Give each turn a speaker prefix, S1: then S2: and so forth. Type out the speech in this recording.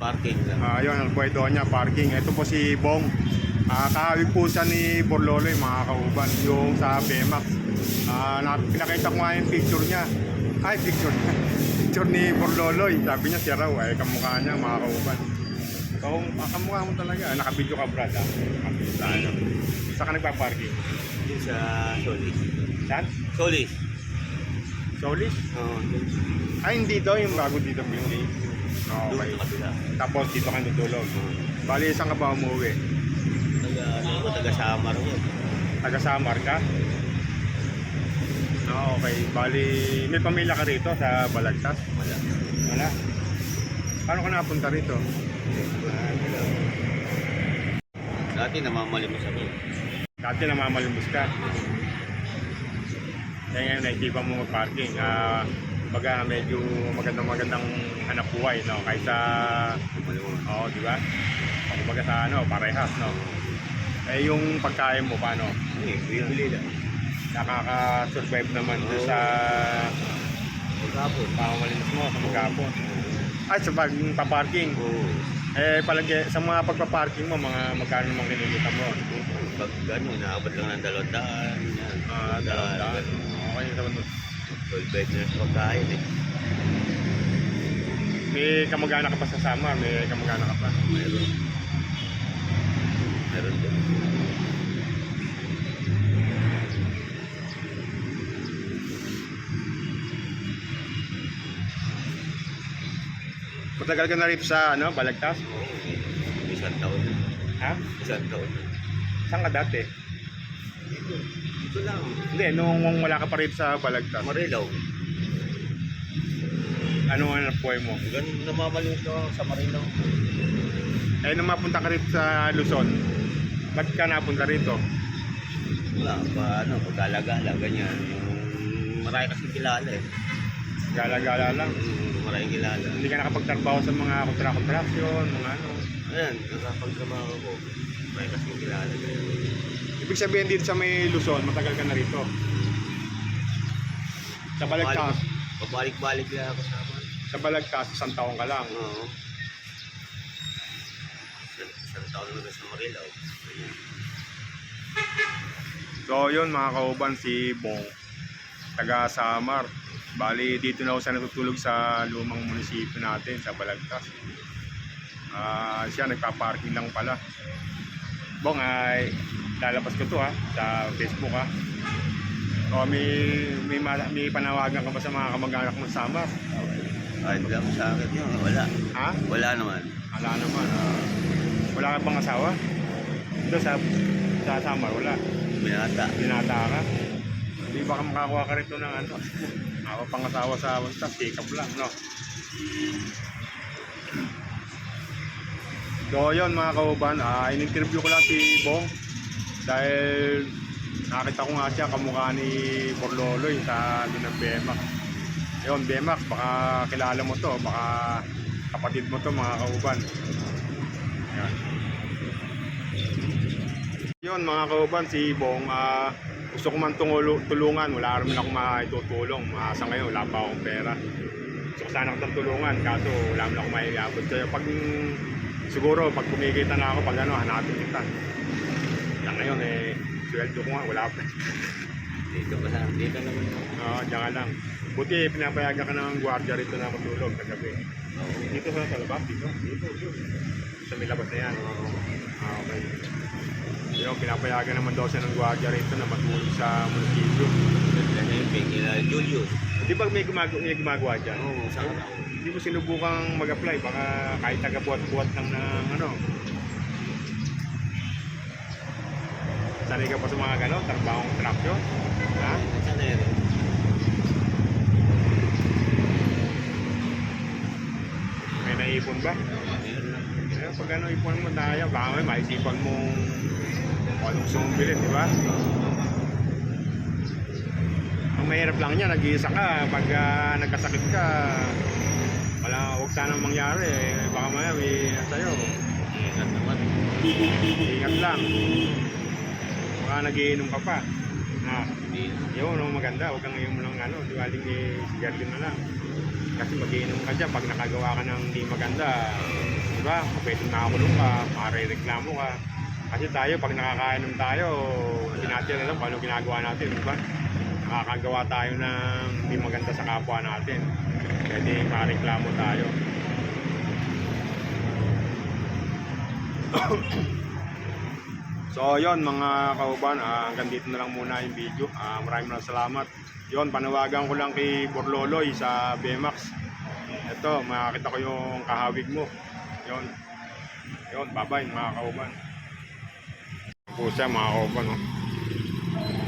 S1: Parking lang.
S2: Ayun, ang pwedo niya, parking. Ito po si Bong. Kahawig po siya ni Borloloy, mga kauban, yung sa Bemax. Pinakita ko nga yung picture niya. Ay, picture niya. Picture ni Borloloy. Sabi niya, siya raw, ay kamukha niya, mga kauban. So, kamukha mo talaga. Nakabidyo ka, Brad, ha? Sa ano? Saan ka nagpa-parking?
S1: Yun sa Solis.
S2: Saan?
S1: Solis.
S2: Solis?
S1: Oo.
S2: Ay, hindi daw yung bago dito building. Okay.
S1: Doon sa kabila.
S2: Tapos dito ka natulog. Bali, saan ka ba umuwi?
S1: Taga-Samar mo.
S2: Taga-Samar ka? Okay. Bali, may pamilya ka rito sa Balagtas?
S1: Wala.
S2: Wala. Paano ka napunta rito?
S1: Dati namamalimos ako.
S2: Dati namamalimbus ka. Kaya ngayon naisipan mo mag-parking. Baga medyo magandang hanap buhay, no? Kaysa, oo, di ba? Kumbaga sa ano, parehas, no? Eh, yung pagkain mo, paano?
S1: Bili lang.
S2: Nakaka-survive naman doon sa
S1: Magkapon.
S2: pamamalimos mo, sa magkapon. Ay, sa pag-parking.
S1: Oo.
S2: Eh, palagi, sa mga pagpa-parking mo, mga magkano namang kinilita mo?
S1: Pag gano'n, naabot lang ng 200. Yan.
S2: Dalawang. Okay, naman.
S1: 12 bedrooms pagkain eh.
S2: May kamag-anak ka pa sa Samar? May kamag-anak ka pa?
S1: Meron. Meron din.
S2: Matagal ka na rito sa ano, Balagtas?
S1: Oo. Isang taon na.
S2: Ha?
S1: Isang taon na.
S2: Saan ka dati?
S1: Dito. Dito lang.
S2: Hindi, nung wala ka pa rito sa Balagtas.
S1: Marilaw.
S2: Ano ang napuhay mo?
S1: Ganun namamalimos na ako sa Marilaw.
S2: Eh, nung mapunta ka rito sa Luzon, ba't ka napunta rito?
S1: Wala pa, ano, pagkalagala, ganyan. Yung marami kasing kilala eh.
S2: Gala-gala lang.
S1: Maraming kilala.
S2: Hindi ka nakapagtrabaho sa mga kontra-kontraksyon, mga ano.
S1: Ayan, nakapagtrabaho ko. Marami kasing kilala. Ganyan.
S2: Ibig sabihin dito sa may Luzon, matagal ka na rito. Sa Balagtas,
S1: Pabalik-balik lang ako sa amin.
S2: sa Balagtas, 1 taon ka lang.
S1: Oo. Isang taon na sa Marilaw. Ganyan.
S2: So yun mga kauban, si Bong, taga Samar. Bali dito na ako siya natutulog sa lumang munisipyo natin sa Balagtas. Siya nagpa-parking lang pala. Bong, ay lalabas ko to ha sa Facebook ha. O may panawagan ka ba sa mga kamag-anak mo sa Samar?
S1: Kahit lang sa akin yun, wala.
S2: Ha?
S1: Wala naman.
S2: Wala naman. Wala ka bang asawa? Ito sa Samar, wala.
S1: Binata.
S2: Binata ka? Hindi baka makakuha ka rito ng ano? Ako pang asawa sa basta, pick-up lang, no? So yun mga kauban, in-interview ko lang si Bong dahil nakita ko nga siya kamukha ni Borloloy sa ng Bemax. Yun, Bemax, baka kilala mo to, baka kapatid mo to mga kauban. Yan. Yun mga kauban, si Bong, gusto ko man tulungan, wala naman akong maitutulong. Sa ngayon, wala pa akong pera. Gusto ko sana kitang tulungan, kaso wala naman akong maiabot sa'yo. Siguro, pag kumikita na ako, pag ano, hanapin kita. Yan ngayon, sweldo ko nga, wala pa.
S1: Dito pa lang. Dito naman.
S2: Diyan lang. Buti, pinapayagan ka ng gwardiya rito na matulog sa gabi.
S1: Oo.
S2: Dito sa labas, dito. Dito. Sa may labas na yan. Okay. Yung pinapayagan naman daw siya ng gwardiya rito na matulog sa munisipyo.
S1: Yan yung pingila Julius.
S2: Di ba may gumagawa dyan?
S1: Oo, sa araw.
S2: Hindi mo sinubukang mag-apply, baka kahit taga-buhat-buhat lang ng ano. Sanay ka pa sa mga gano'n, trabahong traksyon? Ha?
S1: Sana yun.
S2: May naipon ba?
S1: Meron lang.
S2: Eh, pag ano ipon mo tayo, baka may maisipan mong kung anong gusto mong bilhin, di ba? Ang mahirap lang niya, nag-iisa ka, pag nagkasakit ka, huwag sanang mangyari, baka may sa'yo.
S1: Ingat naman.
S2: Ingat lang. Baka nagiinom ka pa.
S1: Hindi.
S2: Yun, maganda, huwag kang inom lang ano, diwaling sigarilyo na lang. Kasi magiinom ka dyan, pag nakagawa ka ng hindi maganda, Diba? Pwede nakakulong ka, marereklamo ka. Kasi tayo, pag nakakainom tayo, hindi natin alam kung ano ginagawa natin, diba? Nakakagawa tayo ng hindi maganda sa kapwa natin. Pwede mareklamo tayo. So yon mga kauban, hanggang dito na lang muna yung video. Maraming salamat. Yon, panawagan ko lang kay Borloloy sa BMAX. Ito, makakita ko yung kahawig mo. Yon, bye bye mga kauban. Pusa mga kauban, no?